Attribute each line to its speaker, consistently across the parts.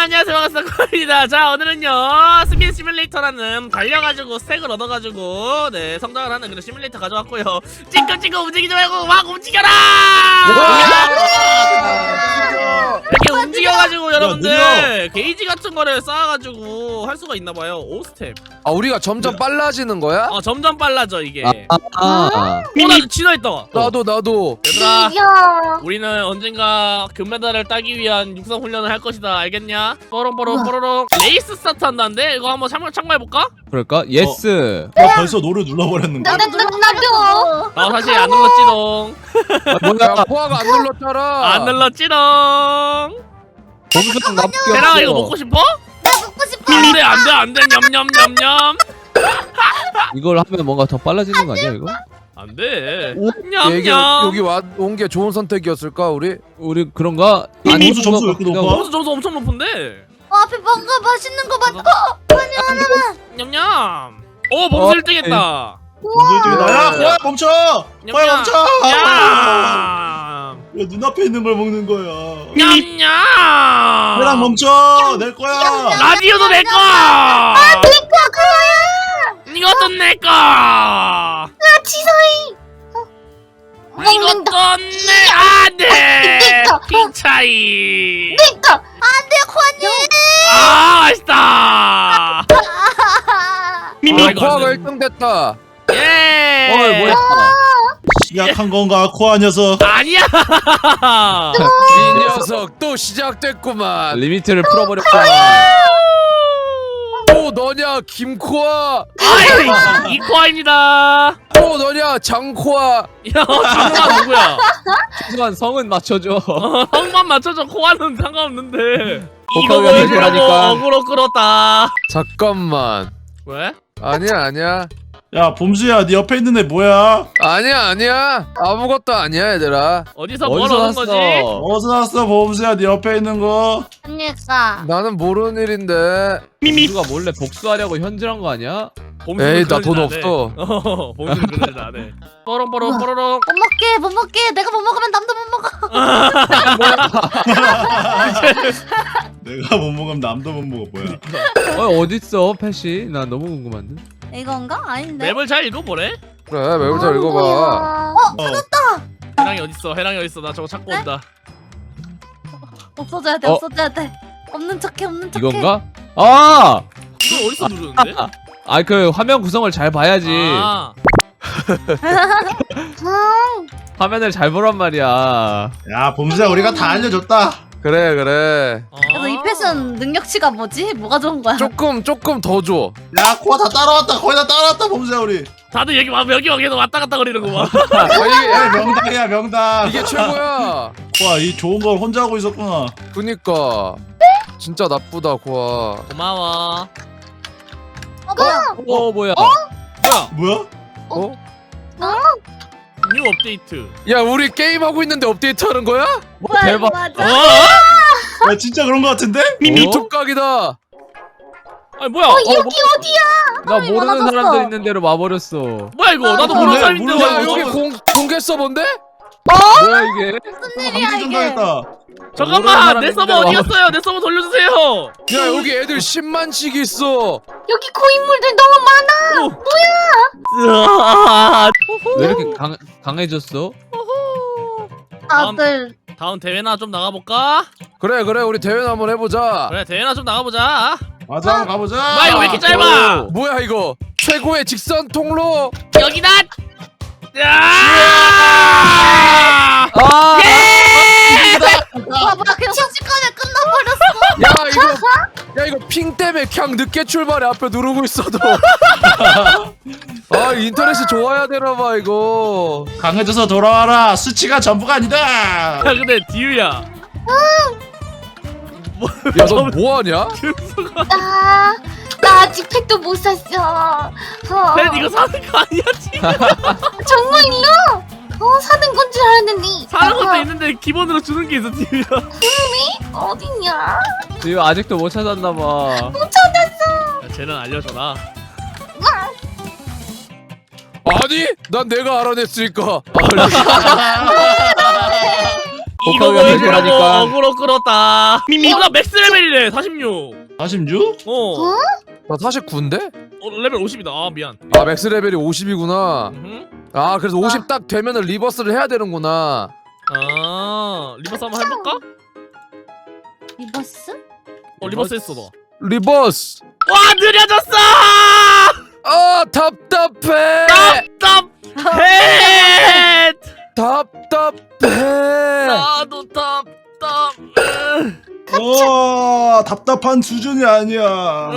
Speaker 1: 안녕하세요, 반갑습니다. 코입니다. 자, 오늘은요 스피드 시뮬레이터라는 달려가지고 스택을 얻어가지고 네 성장을 하는 그런 시뮬레이터 가져왔고요. 찡긋찡긋 움직이지 말고 막 움직여라! 이렇게 움직여가지고 여러분들 게이지 같은 거를 쌓아가지고 할 수가 있나봐요. 5스텝.
Speaker 2: 아, 우리가 점점 빨라지는 거야?
Speaker 1: 점점 빨라져 이게.
Speaker 2: 아.
Speaker 1: 나도 진화했다.
Speaker 2: 나도.
Speaker 1: 얘들아, 우리는 언젠가 금메달을 따기 위한 육상 훈련을 할 것이다. 알겠냐? 뽀롱뽀롱. 레이스 스타트 한다는데 이거 한번 참가해볼까?
Speaker 3: 그럴까? 예스.
Speaker 4: 벌써 노를 눌러버렸는데.
Speaker 5: 나도.
Speaker 1: 나 사실 안 눌렀지롱.
Speaker 2: 뭐야? 포화가 안 눌렀잖아.
Speaker 1: 안 눌렀지롱.
Speaker 3: 범수랑 납격.
Speaker 1: 대랑아 이거 먹고 싶어?
Speaker 5: 먹고 싶어.
Speaker 1: 안돼 냠냠냠냠.
Speaker 3: 이걸 하면 뭔가 더 빨라지는 거 아니야 이거?
Speaker 1: 안돼.
Speaker 2: 여기
Speaker 1: 냠냠.
Speaker 2: 온 게 좋은 선택이었을까 우리?
Speaker 3: 우리 그런가?
Speaker 4: 아니, 범수 점수 왜 이렇게 높아?
Speaker 1: 점수 점수 엄청 높은데.
Speaker 5: 앞에 뭔가 맛있는 거 맞고.
Speaker 1: 냠냠. 오 범수 1등했다.
Speaker 4: 범수 나야. 코야 멈춰. 코야 멈춰.
Speaker 1: 냠.
Speaker 4: 왜 눈앞에 있는 걸 먹는 거야?
Speaker 1: 냠냠.
Speaker 4: 코랑 멈춰. 내 거야.
Speaker 1: 라디오도 내 거. 이것도 내 거.
Speaker 5: 지서이.
Speaker 1: 이것도 내 안돼. 핑차이.
Speaker 5: 그러니까 안돼 코아님.
Speaker 1: 아 맛있다.
Speaker 2: 포화가 1등 됐다.
Speaker 1: 예.
Speaker 3: 뭐야?
Speaker 4: 시작한 건가 코아 녀석?
Speaker 1: 아니야.
Speaker 2: 이 녀석 또 시작됐구만.
Speaker 3: 리미트를 풀어버렸구나.
Speaker 2: 또 너냐 김코아?
Speaker 1: 아이 이코아입니다.
Speaker 2: 또 너냐 장코아?
Speaker 1: 야 장코아 누구야?
Speaker 3: 최소한 성은 맞춰줘.
Speaker 1: 성만 맞춰줘. 코아는 상관없는데. 이거
Speaker 3: 복합이
Speaker 1: 보여주려고
Speaker 3: 아니라니까.
Speaker 1: 어그로 끌었다.
Speaker 2: 잠깐만.
Speaker 1: 왜?
Speaker 2: 아니야.
Speaker 4: 야 범수야, 네 옆에 있는 애 뭐야?
Speaker 2: 아니야. 아무것도 아니야 얘들아.
Speaker 1: 어디서 뭘 얻은 거지?
Speaker 4: 어디서 났어 범수야? 네 옆에 있는 거?
Speaker 5: 언니가
Speaker 2: 나는 모르는 일인데.
Speaker 3: 누가 몰래 복수하려고 현질한 거 아니야?
Speaker 2: 에이 나 돈 없어.
Speaker 1: 범수는 그런 짓 안 해. 뽀롱뽀롱 뽀로롱.
Speaker 5: 못 먹게. 내가 못 먹으면 남도 못 먹어.
Speaker 4: 내가 못 먹으면 남도 못 먹어. 뭐야?
Speaker 3: 어딨어 펫이? 나 너무 궁금한데.
Speaker 5: 이건가? 아닌데.
Speaker 1: 맵을 잘 읽어보래.
Speaker 2: 그래 매우 잘 읽어봐.
Speaker 1: 해랑이 어딨어? 해랑이 어딨어? 나 저거 찾고 온다.
Speaker 5: 없어져야 돼.
Speaker 3: 어?
Speaker 5: 없어져야 돼. 없는 척해.
Speaker 3: 이건가? 아!
Speaker 1: 이거 어디서 누르는데?
Speaker 3: 그 화면 구성을 잘 봐야지.
Speaker 1: 아,
Speaker 3: 화면을 잘 보란 말이야.
Speaker 4: 야 범수야, 우리가 다 알려줬다.
Speaker 2: 그래.
Speaker 5: 그래서 이 패션 능력치가 뭐지? 뭐가 좋은 거야?
Speaker 2: 조금 더 줘.
Speaker 4: 야 코아 다 따라왔다. 거의 다 따라왔다 범수야 우리.
Speaker 1: 다들 여기 와 계속 왔다 갔다 거리는구만.
Speaker 4: 야, 명당이야 명당.
Speaker 2: 이게 최고야.
Speaker 4: 코아 이 좋은 걸 혼자 하고 있었구나.
Speaker 2: 그니까 진짜 나쁘다 고아.
Speaker 1: 고마워.
Speaker 3: 뭐야?
Speaker 4: 뭐야?
Speaker 1: 뉴 업데이트.
Speaker 2: 야 우리 게임 하고 있는데 업데이트 하는 거야?
Speaker 3: 대박.
Speaker 5: 맞아.
Speaker 4: 야 진짜 그런 거 같은데?
Speaker 2: 미투각이다.
Speaker 1: 아니 뭐야?
Speaker 5: 여기 어디야?
Speaker 3: 나 모르는
Speaker 5: 많아졌어.
Speaker 3: 사람들 있는 데로 와버렸어.
Speaker 1: 뭐야 이거? 나도
Speaker 4: 아,
Speaker 1: 모르는
Speaker 4: 그래?
Speaker 1: 사람인데
Speaker 4: 모르는
Speaker 2: 야
Speaker 1: 왜
Speaker 2: 여기
Speaker 1: 이거?
Speaker 2: 공개 서버인데?
Speaker 3: 뭐야 이게?
Speaker 5: 무슨 일이야
Speaker 4: 방금
Speaker 5: 이게?
Speaker 4: 전당했다.
Speaker 1: 잠깐만 내 서버
Speaker 3: 모르는
Speaker 1: 어디 갔어요? 내 서버 돌려주세요.
Speaker 2: 야 여기 애들 10만씩 있어.
Speaker 5: 여기 고인물들 너무 많아.
Speaker 1: 으아.
Speaker 3: 왜 이렇게 강해졌어?
Speaker 5: 다들
Speaker 1: 다음 대회나 좀 나가볼까?
Speaker 2: 그래 우리 대회 한번 해보자.
Speaker 1: 그래 대회나 좀 나가보자.
Speaker 4: 맞아, 한번 가보자.
Speaker 1: 와 이거 왜 이렇게 짧아?
Speaker 2: 뭐야 이거? 최고의 직선 통로.
Speaker 1: 여기다. 야!
Speaker 3: 아!
Speaker 5: 봐봐 그냥 순식간에 끝나버렸어.
Speaker 2: 야 이거 핑 때문에 그냥 늦게 출발해. 앞에 누르고 있어도. 아 인터넷이 좋아야 되나봐 이거.
Speaker 4: 강해져서 돌아와라. 수치가 전부가 아니다.
Speaker 1: 야 근데 디유야.
Speaker 2: 야 너 뭐하냐?
Speaker 5: 나 아직 팩도 못 샀어.
Speaker 1: 팬 이거 사는 거 아니야 지금?
Speaker 5: 정말요? 사는 건 줄 알았는데.
Speaker 1: 사는 것도 있는데 기본으로 주는 게 있어 디유야.
Speaker 5: 어딨냐?
Speaker 3: 지금 아직도 못 찾았나 봐.
Speaker 5: 못 찾았어.
Speaker 1: 야, 쟤는 알려줘라.
Speaker 2: 아니 난 내가 알아냈으니까.
Speaker 1: 이거
Speaker 3: 복학을
Speaker 1: 보여주려고
Speaker 3: 해주라니까.
Speaker 1: 어그로 끌었다. 나 맥스 레벨이래 46.
Speaker 4: 46?
Speaker 1: 어.
Speaker 2: 나 49인데?
Speaker 1: 레벨 50이다. 아 미안.
Speaker 2: 아 맥스 레벨이 50이구나.
Speaker 1: 음흠.
Speaker 2: 아 그래서 50 딱 되면은 리버스를 해야 되는구나.
Speaker 1: 아 리버스 한번 해볼까?
Speaker 5: 리버스?
Speaker 1: 리버스 했어 너.
Speaker 2: 리버스.
Speaker 1: 와 느려졌어.
Speaker 2: 아 답답해.
Speaker 1: 답답해.
Speaker 2: 답답해.
Speaker 1: 나도 답답해.
Speaker 4: 답답한 수준이 아니야.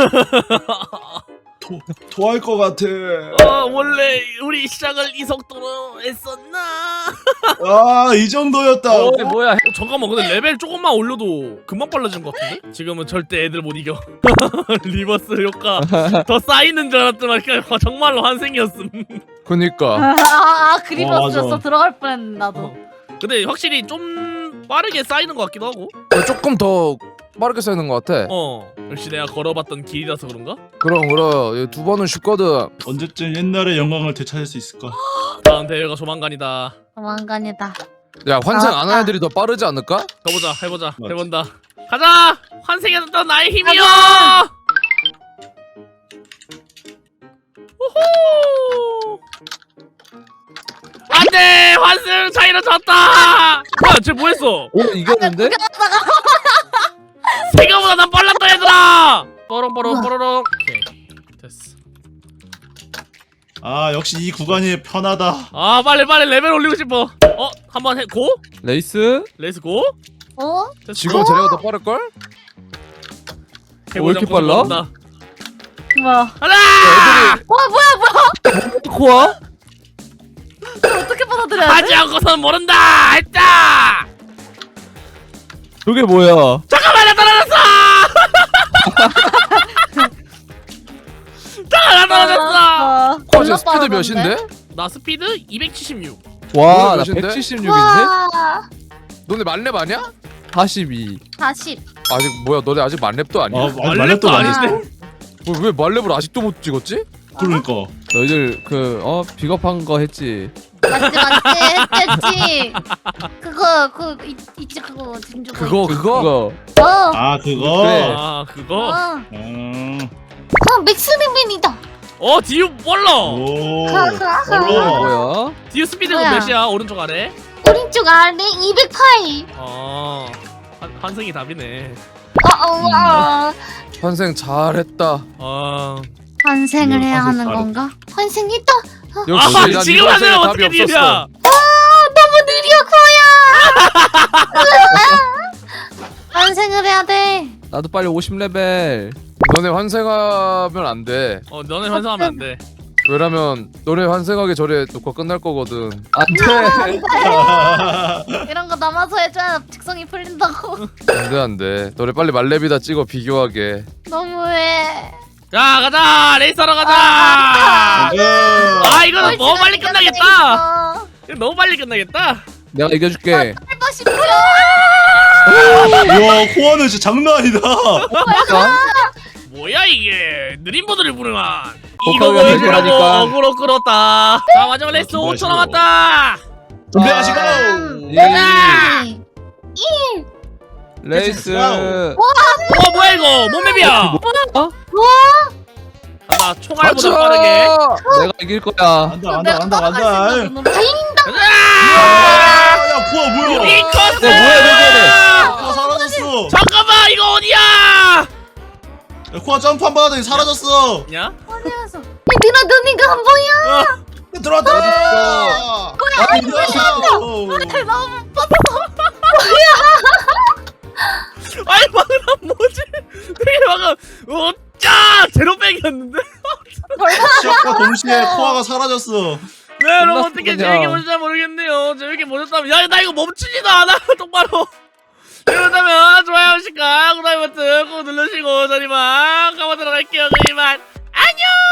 Speaker 4: 토할 것 같아.
Speaker 1: 원래 우리 시작을 이 속도로 했었나?
Speaker 4: 이 정도였다.
Speaker 3: 뭐야?
Speaker 1: 잠깐만 근데 레벨 조금만 올려도 금방 빨라지는 것 같은데? 지금은 절대 애들 못 이겨. 리버스 효과 더 쌓이는 줄 알았지만 그냥 정말로 환생이었음.
Speaker 2: 그니까.
Speaker 5: 그 리버스였어.
Speaker 4: 맞아.
Speaker 5: 들어갈 뻔했는데 나도.
Speaker 1: 근데 확실히 좀 빠르게 쌓이는 것 같기도 하고.
Speaker 2: 조금 더 빠르게 쌓이는 것 같아.
Speaker 1: 역시 내가 걸어봤던 길이라서 그런가?
Speaker 2: 그럼 2번은 쉽거든.
Speaker 4: 언제쯤 옛날의 영광을 되찾을 수 있을까?
Speaker 1: 다음 대회가 조만간이다.
Speaker 5: 도망간이다.
Speaker 2: 야 환생 안
Speaker 5: 나왔다.
Speaker 2: 하는 애들이 더 빠르지 않을까?
Speaker 1: 가보자 해보자
Speaker 4: 맞지.
Speaker 1: 해본다. 가자! 환생했던 나의 힘이여!
Speaker 5: 가자!
Speaker 1: 호호! 안돼! 환승 차이로 졌다! 뭐야 쟤 뭐했어?
Speaker 3: 오 이겼는데?
Speaker 1: 생각보다 난 빨랐다 얘들아! 뽀롱뽀롱 뽀로롱. 오케이 됐어.
Speaker 4: 역시 이 구간이 편하다.
Speaker 1: 빨리 레벨 올리고 싶어. 한번 해 고?
Speaker 3: 레이스?
Speaker 1: 레이스 고? 됐어.
Speaker 2: 지금 쟤네가 더 빠를걸?
Speaker 3: 왜 이렇게 빨라?
Speaker 5: 뭐야?
Speaker 1: 하나!
Speaker 2: 애들이
Speaker 3: 코아?
Speaker 5: 이걸 어떻게 받아들여야
Speaker 1: 하지
Speaker 5: 돼?
Speaker 1: 않고선 모른다! 했다!
Speaker 3: 저게 뭐야?
Speaker 1: 잠깐만 나 떨어졌어! 나 떨어졌어!
Speaker 2: 코아 지금 스피드 몇인데?
Speaker 1: 나 스피드 276.
Speaker 3: 와, 나
Speaker 2: 몇인데?
Speaker 3: 176인데?
Speaker 5: 와.
Speaker 2: 너네 만렙 아니야?
Speaker 3: 42.
Speaker 5: 40.
Speaker 2: 아직 뭐야 너네 아직 만렙도 아니야?
Speaker 4: 말렙도 많이
Speaker 1: 아닌데?
Speaker 4: 했어.
Speaker 2: 왜 만렙을 아직도 못 찍었지?
Speaker 4: 그러니까.
Speaker 3: 너희들 비겁한 거 했지.
Speaker 5: 맞지. 그거 있지 그거 진주.
Speaker 2: 그거?
Speaker 3: 그거.
Speaker 5: 어.
Speaker 4: 그거.
Speaker 3: 그래.
Speaker 1: 그거?
Speaker 5: 맥스 레벨이다.
Speaker 1: 디유 몰라!
Speaker 4: 오.
Speaker 3: 뭐야?
Speaker 1: 디유 스피드가
Speaker 5: 뭐야?
Speaker 1: 몇이야? 오른쪽 아래?
Speaker 5: 오른쪽 아래 208.
Speaker 1: 환승이 답이네.
Speaker 2: 환생 잘했다.
Speaker 5: 환생을 해야
Speaker 4: 환생
Speaker 5: 하는
Speaker 4: 바로.
Speaker 5: 건가? 환생했다.
Speaker 2: 역시 난
Speaker 1: 지금
Speaker 2: 이번
Speaker 1: 하세요
Speaker 2: 생에
Speaker 1: 어떻게
Speaker 2: 답이
Speaker 1: 디유야?
Speaker 2: 없었어.
Speaker 5: 너무 느려 코야. 환생을 해야 돼.
Speaker 3: 나도 빨리 50레벨.
Speaker 2: 너네 환생하면 안 돼.
Speaker 1: 너네 환승하면 안 돼.
Speaker 2: 왜냐면 너네 환생하기 전에 녹화 끝날 거거든.
Speaker 3: 안 돼.
Speaker 5: 이런 거 남아서 해줘야 직성이 풀린다고.
Speaker 2: 안 돼. 너네 빨리 만렙이다 찍어 비교하게.
Speaker 5: 너무해.
Speaker 1: 자 가자! 레이스하러 가자! 이거는 너무 빨리 끝나겠다! 이거 너무 빨리 끝나겠다!
Speaker 3: 내가 이겨줄게.
Speaker 5: 해봐 싶어.
Speaker 4: 우와, 코아는 진짜 장난 아니다.
Speaker 1: 뭐야 이게 느린 보드를 부르만
Speaker 3: 복학을
Speaker 1: 이거 보여주려고
Speaker 3: 해주라니까.
Speaker 1: 어그로 끌었다. 자 마지막 레이스 5초 남았다.
Speaker 4: 준비하시고.
Speaker 3: 레이스.
Speaker 1: 뭐야 이거 뭔 맵이야? 나 총알보다 빠르게.
Speaker 3: 내가 이길 거야.
Speaker 4: 간다.
Speaker 5: 야,
Speaker 4: 코아 뭐야?
Speaker 1: 리커스!
Speaker 4: 코아 사라졌어.
Speaker 1: 잠깐만 이거 어디야?
Speaker 4: 코아 점프 한 번 하더니 사라졌어.
Speaker 1: 야?
Speaker 5: 어디가서? 얘들아 너니가 한 번이야.
Speaker 4: 들어왔다.
Speaker 5: 너무
Speaker 1: 아니 방금 뭐지? 되게 방금 제로백이었는데?
Speaker 4: 시작과 동시에 코아가 사라졌어.
Speaker 1: 네 여러분 어떻게
Speaker 3: 그냥.
Speaker 1: 재밌게 보셨는지 모르겠네요. 재밌게 보셨다면 야 나 이거 멈추지도 않아 똑바로. 그렇다면 좋아요, 시각, 구독 버튼 꼭 누르시고 저희만 가보도록 할게요. 저희만 안녕.